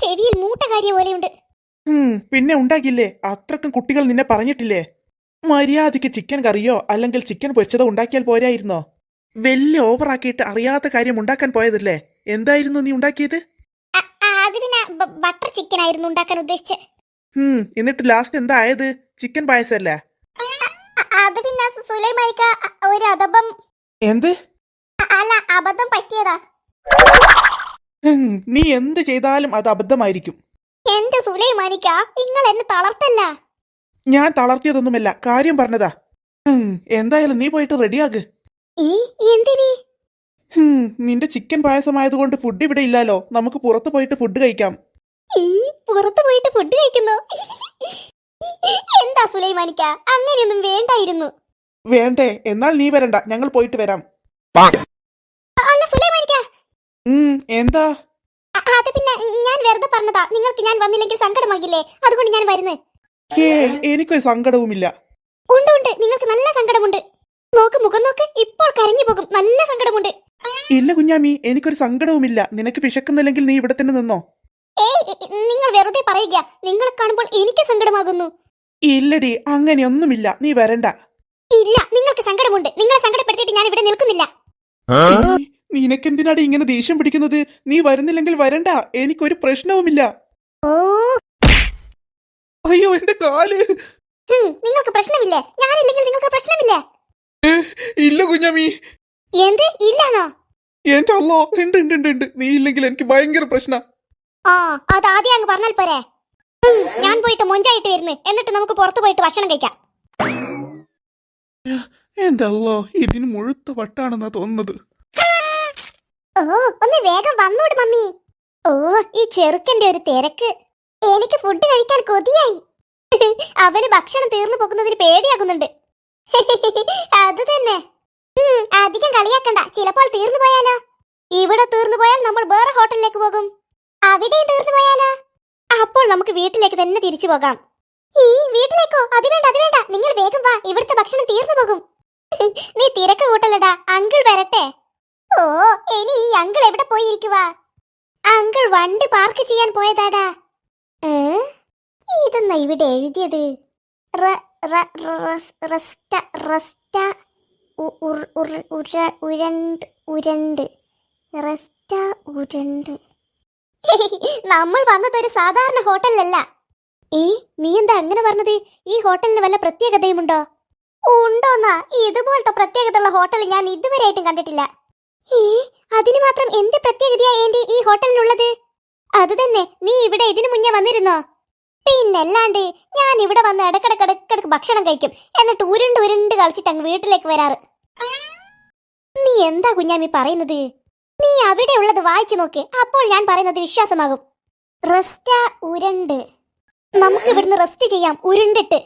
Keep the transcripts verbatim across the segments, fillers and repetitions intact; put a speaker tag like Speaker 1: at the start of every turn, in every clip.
Speaker 1: ചെവിയിൽ മൂട്ടകാരിയ പോലെയുണ്ട്.
Speaker 2: പിന്നെ ഉണ്ടാക്കില്ലേ? അത്രക്കും കുട്ടികൾ നിന്നെ പറഞ്ഞിട്ടില്ലേ? മര്യാദയ്ക്ക് ചിക്കൻ കറിയോ അല്ലെങ്കിൽ ചിക്കൻ പൊരിച്ചതോ ഉണ്ടാക്കിയാൽ പോരായിരുന്നോ? വലിയ ഓവറാക്കിയിട്ട് അറിയാത്ത കാര്യം ഉണ്ടാക്കാൻ പോയതല്ലേ? എന്തായിരുന്നു നീ ഉണ്ടാക്കിയത്?
Speaker 1: അത് പിന്നെ ബട്ടർ ചിക്കൻ ആയിരുന്നു ഉണ്ടാക്കാൻ ഉദ്ദേശിച്ചത്.
Speaker 2: ഹും എന്നിട്ട് ലാസ്റ്റ് എന്താ ആയത്? ചിക്കൻ പായസല്ലേ?
Speaker 1: അത് പിന്നെ സുലൈമാനിക്ക ഒരു അബദ്ധം.
Speaker 2: എന്ത്?
Speaker 1: അല്ല, അബദ്ധം പറ്റിയതാ.
Speaker 2: നീ എന്ത് ചെയ്താലും അത് അബദ്ധമായിരിക്കും.
Speaker 1: എന്റെ സുലൈമാനിക്ക, നിങ്ങൾ എന്നെ തളർത്തല്ല.
Speaker 2: ഞാൻ തളർത്തിയതൊന്നുമല്ല, കാര്യം പറഞ്ഞതാ. എന്തായാലും നീ പോയിട്ട് റെഡിയാക്ക്.
Speaker 1: എന്തിനി?
Speaker 2: നിന്റെ ചിക്കൻ പായസമായതുകൊണ്ട് ഫുഡ് ഇവിടെ ഇല്ലാലോ, നമുക്ക് പുറത്തു പോയിട്ട് ഫുഡ് കഴിക്കാം.
Speaker 1: പുറത്തു പോയിട്ട് ഫുഡ് കഴിക്കുന്നു? എന്താ സുലൈമാനിക്ക, അങ്ങനെയൊന്നും വേണ്ടായിരുന്നു.
Speaker 2: വേണ്ടേ? എന്നാൽ നീ വരണ്ട, ഞങ്ങൾ പോയിട്ട് വരാം.
Speaker 1: അല്ല സുലൈമാനിക്ക.
Speaker 2: എന്താ?
Speaker 1: അത് പിന്നെ ഞാൻ വെറുതെ പറഞ്ഞതാ. നിങ്ങൾക്ക് ഞാൻ വന്നില്ലെങ്കിൽ സങ്കടമാകില്ലേ, അതുകൊണ്ട് ഞാൻ വരുന്നത്.
Speaker 2: എനിക്കൊരു സങ്കടവുമില്ല.
Speaker 1: ഉണ്ട് ഉണ്ട്, നിങ്ങൾക്ക് നല്ല സങ്കടമുണ്ട്. നോക്ക്, മുഖം നോക്ക്, ഇപ്പോൾ കരഞ്ഞു പോകും. നല്ല സങ്കടമുണ്ട്.
Speaker 2: ഇല്ല കുഞ്ഞാമി, എനിക്കൊരു സങ്കടവുമില്ല. നിനക്ക് വിശക്കുന്നില്ലെങ്കിൽ നീ ഇവിടെ തന്നെ നിന്നോ.
Speaker 1: ഏയ്, നിങ്ങൾ വെറുതെ പറയുക. നിങ്ങളെ കാണുമ്പോൾ എനിക്ക് സങ്കടമാകുന്നു.
Speaker 2: ഇല്ലടി, അങ്ങനെയൊന്നുമില്ല, നീ വരണ്ട.
Speaker 1: ഇല്ല, നിങ്ങൾക്ക് സങ്കടമുണ്ട്. നിങ്ങളെ സങ്കടപ്പെടുത്തിയിട്ട് ഞാൻ ഇവിടെ നിൽക്കുന്നില്ല.
Speaker 2: നിനക്കെന്തിനാടി ഇങ്ങനെ ദേഷ്യം പിടിക്കുന്നത്? നീ വരുന്നില്ലെങ്കിൽ വരണ്ട, എനിക്കൊരു പ്രശ്നവുമില്ല.
Speaker 1: ഓ
Speaker 2: അയ്യോ, എന്റെ കാല്.
Speaker 1: നിങ്ങൾക്ക് പ്രശ്നമില്ലേ? ഞാനില്ലെങ്കിൽ നിങ്ങൾക്ക് പ്രശ്നമില്ലേ?
Speaker 2: ഇല്ല കുഞ്ഞാമി.
Speaker 1: എന്ത് ഇല്ലാന്നോ?
Speaker 2: എന്റെ അല്ലോ, ഉണ്ട് ഉണ്ട് ഉണ്ട്. നീ ഇല്ലെങ്കിൽ എനിക്ക് ഭയങ്കര പ്രശ്ന.
Speaker 1: ആ, അത് ആദ്യം അങ്ങ് പറഞ്ഞാൽ പോരെ. ഞാൻ പോയിട്ട് മൊഞ്ചായിട്ട് വരുന്നു, എന്നിട്ട് നമുക്ക് പുറത്തു പോയിട്ട് ഭക്ഷണം കഴിക്കാം.
Speaker 2: എന്റെ അല്ലോ, ഇതിന് മുഴുത്ത വട്ടാണെന്നാ തോന്നുന്നത്.
Speaker 1: ഓ, ഒന്ന് വേഗം വന്നോട് മമ്മി. ഓ, ഈ ചെറുക്കന്റെ ഒരു തിരക്ക്. എനിക്ക് ഫുഡ് കഴിക്കാൻ കൊതിയായി. അവന് ഭക്ഷണം തീർന്നു പോകുന്നതിന് പേടിയാകുന്നുണ്ട്. അത് തന്നെ. അധികം കളിയാക്കണ്ട, ചിലപ്പോൾ തീർന്നു പോയാലോ? ഇവിടെ തീർന്നു പോയാൽ നമ്മൾ വേറെ ഹോട്ടലിലേക്ക് പോകും. അവിടെയും തീർന്നു പോയാലോ? അപ്പോൾ നമുക്ക് വീട്ടിലേക്ക് തന്നെ തിരിച്ചു പോകാം. ഈ വീട്ടിലേക്കോ? അത് വേണ്ട, അത് വേണ്ട. നിങ്ങൾ വേഗം വാ, ഇവിടുത്തെ ഭക്ഷണം തീർന്നു പോകും. നീ തിരക്ക് കൂട്ടലടാ, അങ്കിൾ വരട്ടെ. ഓ, ഇനി ഈ അങ്കിൾ എവിടെ പോയിരിക്കുവാ? അങ്കിൾ വണ്ടി പാർക്ക് ചെയ്യാൻ പോയതാടാ. ഇതെന്നാ ഇവിടെ എഴുതിയത്? നമ്മൾ വന്നതൊരു സാധാരണ ഹോട്ടലിലല്ല. ഏ, നീ എന്താ അങ്ങനെ പറഞ്ഞത്? ഈ ഹോട്ടലിന് വല്ല പ്രത്യേകതയുമുണ്ടോ? ഉണ്ടോന്നാ? ഇതുപോലത്തെ പ്രത്യേകതയുള്ള ഹോട്ടൽ ഞാൻ ഇതുവരെയായിട്ടും കണ്ടിട്ടില്ല. ഏ, അതിന് മാത്രം എന്ത് പ്രത്യേകതയാ ഏന്റി ഈ ഹോട്ടലിനുള്ളത്? അത് തന്നെ, നീ ഇവിടെ ഇതിനു മുന്നേ വന്നിരുന്നോ? പിന്നല്ലാണ്ട്, ഞാൻ ഇവിടെ വന്ന് ഇടക്കിടക്ക് ഇടക്കിടക്ക് ഭക്ഷണം കഴിക്കും, എന്നിട്ട് ഉരുണ്ട് ഉരുണ്ട് കളിച്ചിട്ട് അങ്ങ് വീട്ടിലേക്ക് വരാറ്. നീ എന്താ കുഞ്ഞാമി പറയുന്നത്? നീ അവിടെ ഉള്ളത് വായിച്ചു നോക്ക്, അപ്പോൾ ഞാൻ പറയുന്നത് വിശ്വാസമാകും. റെസ്റ്റ ഉരുണ്ട്. നമുക്ക് ഇവിടുന്ന് റെസ്റ്റ് ചെയ്യാം, ഉരുണ്ടിട്ട്.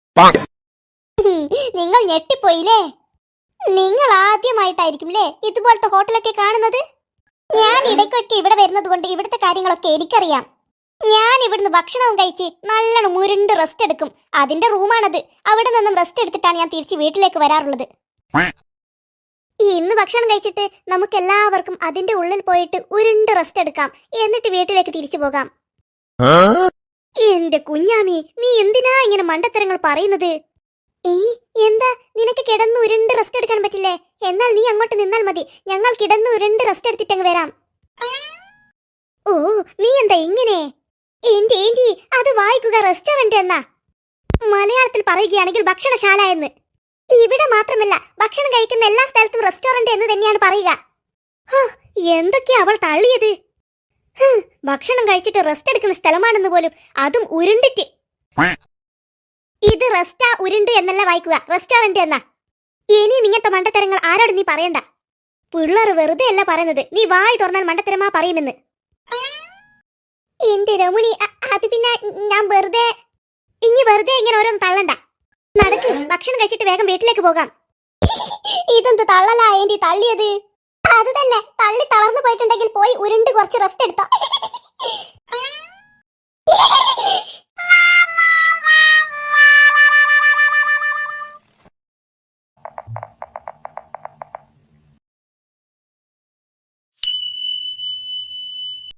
Speaker 1: നിങ്ങൾ ഞെട്ടിപ്പോയില്ലേ? നിങ്ങൾ ആദ്യമായിട്ടായിരിക്കുംല്ലേ ഇതുപോലത്തെ ഹോട്ടലൊക്കെ കാണുന്നത്? ഞാൻ ഇടയ്ക്കൊക്കെ ഇവിടെ വരുന്നത് കൊണ്ട് ഇവിടുത്തെ കാര്യങ്ങളൊക്കെ എനിക്കറിയാം. ഞാൻ ഇവിടുന്ന് ഭക്ഷണവും കഴിച്ച് നല്ലോണം ഉരുണ്ട് റെസ്റ്റ് എടുക്കും. അതിന്റെ റൂമാണത്. അവിടെ നിന്നും റെസ്റ്റ് എടുത്തിട്ടാണ് ഞാൻ തിരിച്ച് വീട്ടിലേക്ക് വരാറുള്ളത്. ഇന്ന് ഭക്ഷണം കഴിച്ചിട്ട് നമുക്ക് എല്ലാവർക്കും അതിന്റെ ഉള്ളിൽ പോയിട്ട് ഉരുണ്ട് റെസ്റ്റ് എടുക്കാം, എന്നിട്ട് വീട്ടിലേക്ക് തിരിച്ചു പോകാം. എന്റെ കുഞ്ഞാമി, നീ എന്തിനാ ഇങ്ങനെ മണ്ടത്തരങ്ങൾ പറയുന്നത്? ഏയ്, എന്താ നിനക്ക് കിടന്ന് ഉരുണ്ട് റെസ്റ്റ് എടുക്കാൻ പറ്റില്ലേ? എന്നാൽ നീ അങ്ങോട്ട് നിന്നാൽ മതി, ഞങ്ങൾ കിടന്ന് ഉരുണ്ട് റെസ്റ്റ് എടുത്തിട്ടങ്ങ് വരാം. ഓ, നീ എന്താ ഇങ്ങനെ? എന്റെ ഏന്റി, അത് വായിക്കുക റെസ്റ്റോറന്റ് എന്നാ. മലയാളത്തിൽ പറയുകയാണെങ്കിൽ ഭക്ഷണശാല എന്ന്. ഇവിടെ മാത്രമല്ല, ഭക്ഷണം കഴിക്കുന്ന എല്ലാ സ്ഥലത്തും റെസ്റ്റോറന്റ് എന്ന് തന്നെയാണ് പറയുക. എന്തൊക്കെയാ അവൾ തള്ളിയത്? ഭക്ഷണം കഴിച്ചിട്ട് റെസ്റ്റ് എടുക്കുന്ന സ്ഥലമാണെന്ന് പോലും, അതും ഉരുണ്ടിട്ട്. ഇത് റെസ്റ്റാ ഉരുണ്ട് എന്നല്ല വായിക്കുക, റെസ്റ്റോറന്റ് എന്നാ. ഇനിയും ഇങ്ങനത്തെ മണ്ടത്തരങ്ങൾ ആരോട് നീ പറയണ്ട. പിള്ളേർ വെറുതെ അല്ല പറയുന്നത്, നീ വായി തുറന്നാൽ മണ്ടത്തരമാ പറയുമെന്ന്. എന്റെ രമണി, അത് പിന്നെ ഞാൻ വെറുതെ ഇനി വെറുതെ ഇങ്ങനെ ഓരോന്ന് തള്ളണ്ട. നടക്ക്, ഭക്ഷണം കഴിച്ചിട്ട് വേഗം വീട്ടിലേക്ക് പോകാം. ഇതെന്ത് തള്ളലാ ഏന്റി തള്ളിയത്? അത് തന്നെ, തള്ളി തളർന്നു പോയിട്ടുണ്ടെങ്കിൽ പോയി ഉരുണ്ട് കുറച്ച് റെസ്റ്റ് എടുത്തോ.